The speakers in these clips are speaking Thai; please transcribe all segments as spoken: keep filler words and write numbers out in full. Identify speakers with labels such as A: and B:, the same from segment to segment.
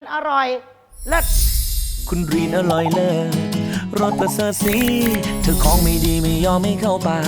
A: อร่อยเลิศ
B: คุณรีนอร่อยเลิศรสประเสริฐสีเธอของไม่ดีไม่ยอมไม่เข้าปาก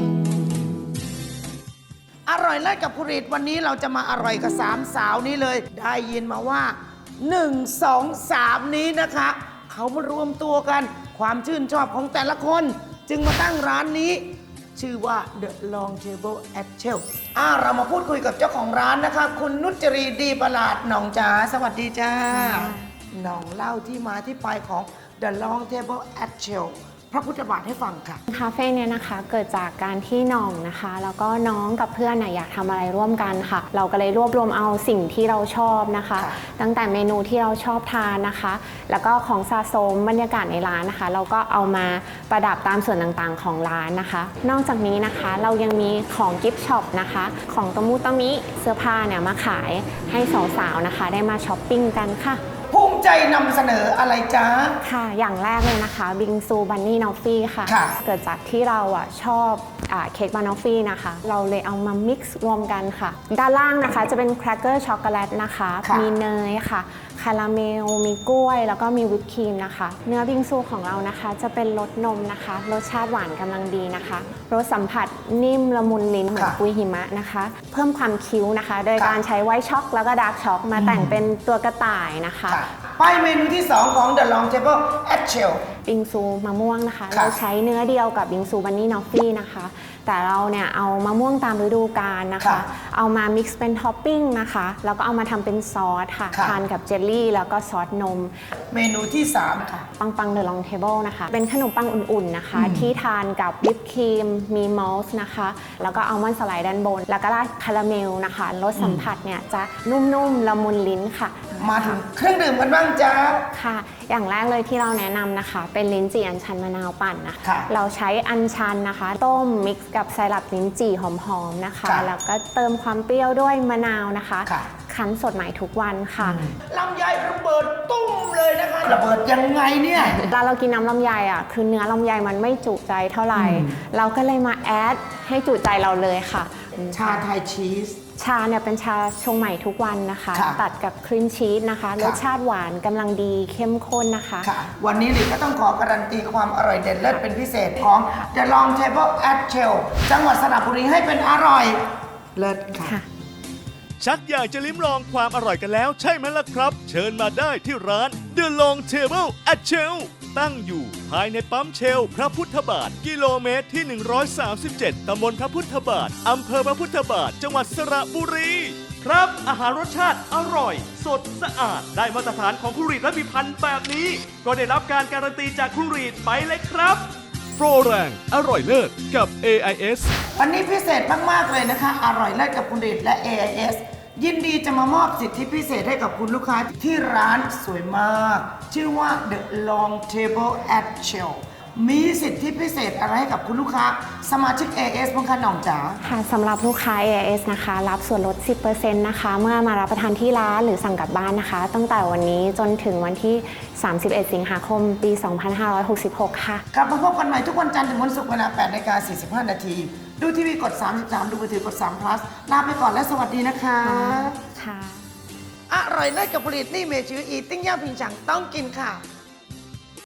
A: อร่อยเลิศกับคุณรีดวันนี้เราจะมาอร่อยกับสามสาวนี้เลย ได้ยินมาว่าหนึ่ง สอง สามนี้นะคะ เขามารวมตัวกันความชื่นชอบของแต่ละคน จึงมาตั้งร้านนี้ ชื่อว่า The Long Table at Shell อ่าเรามาพูดคุยกับเจ้าของร้านนะคะ คุณนุจรีดีประหลาดหน่องจ๋าสวัสดีจ้าหน่องเล่าที่มาที่ไปของ The Long Table at Shell พระพุทธบาทให้ฟังค่ะ
C: คาเฟ่เนี่ยนะคะเกิดจากการที่น้องนะคะแล้วก็น้องกับเพื่อนนะอยากทำอะไรร่วมกันค่ะเราก็เลยรวบรวมเอาสิ่งที่เราชอบนะคะตั้งแต่เมนูที่เราชอบทานนะคะแล้วก็ของสะสมบรรยากาศในร้านนะคะเราก็เอามาประดับตามส่วนต่างๆของร้านนะคะนอกจากนี้นะคะเรายังมีของกิฟต์ช็อปนะคะของตะมุตะมิเสื้อผ้าเนี่ยมาขายให้สาวๆนะคะได้มาช้อปปิ้งกันค่ะ
A: ภูมิใจนำเสนออะไรจ๊ะ
C: ค่ะอย่างแรกเลยนะคะบิงซูบันนี่นอฟฟี่ค่ะเกิดจากที่เราอ่ะชอบเค้กบานอฟฟี่นะคะเราเลยเอามามิกซ์รวมกันค่ะด้านล่างนะคะจะเป็นแครกเกอร์ช็อกโกแลตนะคะมีเนยค่ะคาราเมลมีกล้วยแล้วก็มีวิปครีมนะคะเนื้อบิงซูของเรานะคะจะเป็นรสนมนะคะรสชาติหวานกำลังดีนะคะรสสัมผัสนิ่มละมุนลิ้นเหมือนกุยหิมะนะคะเพิ่มความคิ้วนะคะโดยการใช้ไวท์ช็อกแล้วก็ดาร์กช็อกมาแต่งเป็นตัวกระต่ายนะคะ
A: ไปเมนูที่สองของ The Long Table at Shell
C: บิงซูมะม่วงนะคะเราใช้เนื้อเดียวกับบิงซูบันนี่นอฟฟี่นะคะแต่เราเนี่ยเอามะม่วงตามฤดูกาลนะคะเอามามิกซ์เป็นท็อปปิ้งนะคะแล้วก็เอามาทำเป็นซอสค่ะทานกับเจลลี่แล้วก็ซอสนม
A: เมนูที่สามค่ะ
C: ปังปังเดอะลองเทเบิลนะคะเป็นขนมปังอุ่นๆนะคะที่ทานกับวิปครีมมีมอลส์นะคะแล้วก็อัลมอนด์สไลด์ด้านบนแล้วก็ราดคาราเมลนะคะรสสัมผัสเนี่ยจะนุ่มๆละมุนลิ้นค่ะ
A: มาถึงเครื่องดื่มกันบ้างจ้า
C: ค่ะอย่างแรกเลยที่เราแนะนำนะคะเป็นลิ้นจี่อัญชันมะนาวปั่นนะคะเราใช้อัญชันนะคะต้มมิกซ์กับไซรัปลิ้นจี่หอมๆนะคะแล้วก็เติมความเปรี้ยวด้วยมะนาวนะคะคั้นสดใหม่ทุกวันค่ะ
A: ลำไยระเบิดตุ้มเลยนะคะระเบิดยังไงเนี่ย
C: เวลาเรากินน้ำลำไยอ่ะคือเนื้อลำไยมันไม่จุใจเท่าไหร่เราก็เลยมาแอดให้จุใจเราเลยค่ะ
A: ชาไทยชีส
C: ชาเนี่ยเป็นชาชงใหม่ทุกวันนะคะตัดกับครีมชีสนะคะรสชาติหวานกำลังดีเข้มข้นนะคะ
A: วันนี้ลิก็ต้องขอการันตีความอร่อยเด็ดเลิศเป็นพิเศษของ The Long Table at Shell จังหวัดสระบุรีให้เป็นอร่อยเลิศค่ะ
D: ชักอยากจะลิ้มลองความอร่อยกันแล้วใช่ไหมล่ะครับ เชิญมาได้ที่ร้าน The Long Table at Shell ตั้งอยู่ภายในปั๊มเชลพระพุทธบาทกิโลเมตรที่หนึ่งร้อยสามสิบเจ็ดตำบลพระพุทธบาทอำเภอพระพุทธบาทจังหวัดสระบุรีครับอาหารรสชาติอร่อยสดสะอาดได้มาตรฐานของครูรีดและพิพันธ์แบบนี้ก็ได้รับการการันตีจากครูรีดไปเลยครับโปรแรงอร่อยเลิศกับ เอ ไอ เอส
A: วันนี้พิเศษมากๆเลยนะคะอร่อยเลิศกับครูรีดและ เอ ไอ เอส ยินดีจะมามอบสิทธิพิเศษให้กับคุณลูกค้าที่ร้านสวยมากชื่อว่า The Long Table at Shell มีสิทธิพิเศษอะไรให้กับคุณลูกค้าสมาชิก เอ เอส บ้างคะหน่องจ๋า
C: ค่ะสำหรับลูกค้า เอ เอส นะคะรับส่วนลด สิบเปอร์เซ็นต์ นะคะเมื่อมารับประทานที่ร้านหรือสั่งกลับบ้านนะคะตั้งแต่วันนี้จนถึงวันที่ สามสิบเอ็ด สิงหาคม ปี สองพันห้าร้อยหกสิบหก ค่ะ
A: กลับมาพบกันใหม่ทุกวันจันทร์ถึงวันศุกร์เวลา แปดนาฬิกาสี่สิบห้า นาทีดูทีวีกด สามสิบสาม ดูมือถือกด สาม plus ลาไปก่อนและสวัสดีนะคะ
C: ค่ะ
A: อร่อยเลิศกับผลิตนี่เมจืออีติ้งย่าผิงฉังต้องกินค่ะ